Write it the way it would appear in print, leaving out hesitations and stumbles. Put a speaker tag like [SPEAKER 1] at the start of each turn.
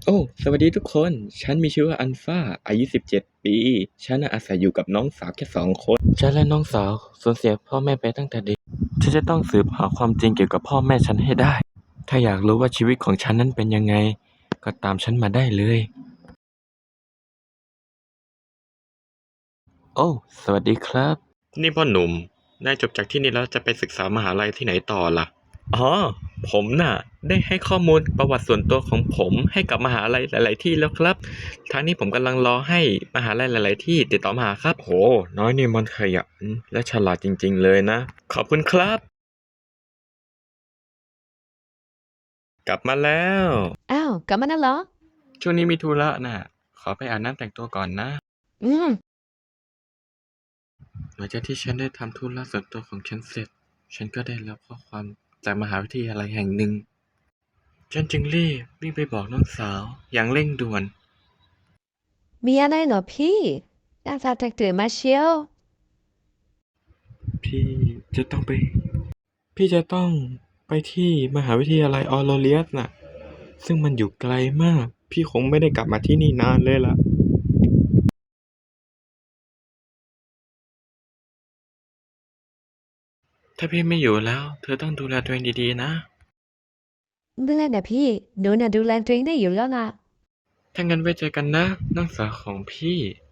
[SPEAKER 1] สวัสดีทุกคน ฉันมีชื่อว่าอัลฟาอายุ17 ปี ฉันอาศัยอยู่กับน้องสาวแค่2 คน ฉันและน้องสาวสูญเสียพ่อแม่ไปตั้งแต่เด็ก ฉันจะต้องสืบหาความจริงเกี่ยวกับพ่อแม่ฉันให้ได้ ถ้าอยากรู้ว่าชีวิตของฉันนั้นเป็นยังไง ก็ตามฉันมาได้เลย สวัสดีครับ นี่พ่อหนุ่ม นายจบจากที่นี่แล้วจะไปศึกษามหาลัยที่ไหนต่อล่ะ ผมน่ะได้ให้ข้อมูลประวัติส่วนตัวของผมให้กับมหาลัยหลายๆที่แล้วครับทางนี้ผมกำลังรอให้มหาลัยหลายๆที่ติดต่อมาหาครับโหน้อยนี่มันขยันและฉลาดจริงๆเลยนะขอบคุณครับกลับมาแล้ว
[SPEAKER 2] อ้าวกลับมาแล้วเหรอ
[SPEAKER 1] ช่วงนี้มีธุระน่ะขอไปอาบน้ำแต่งตัวก่อนนะ
[SPEAKER 2] อืม
[SPEAKER 1] หลังจากที่ฉันได้ทำธุระส่วนตัวของฉันเสร็จฉันก็ได้รับข้อความจากมหาวิทยาลัยแห่งหนึ่งฉันจึงรีบวิ่งไปบอกน้องสาวอย่างเร่งด่วน
[SPEAKER 2] มีอะไรเหรอพี่หน้าตาแตกตื่นมาเชียว
[SPEAKER 1] พี่จะต้องไป พี่จะต้องไปที่มหาวิทยาลัยออโรเลียสน่ะ ซึ่งมันอยู่ไกลมาก พี่คงไม่ได้กลับมาที่นี่นานเลยล่ะ ถ้าพี่ไม่อยู่แล้ว เธอต้องดูแลตัวเองดีๆนะ
[SPEAKER 2] ดูแลนะพี่หนูน่ะดูแลตัวเองได้อยู่แล้วล่ะ
[SPEAKER 1] ถ้างั้นไว้เจอกันนะน้องสาวของพี่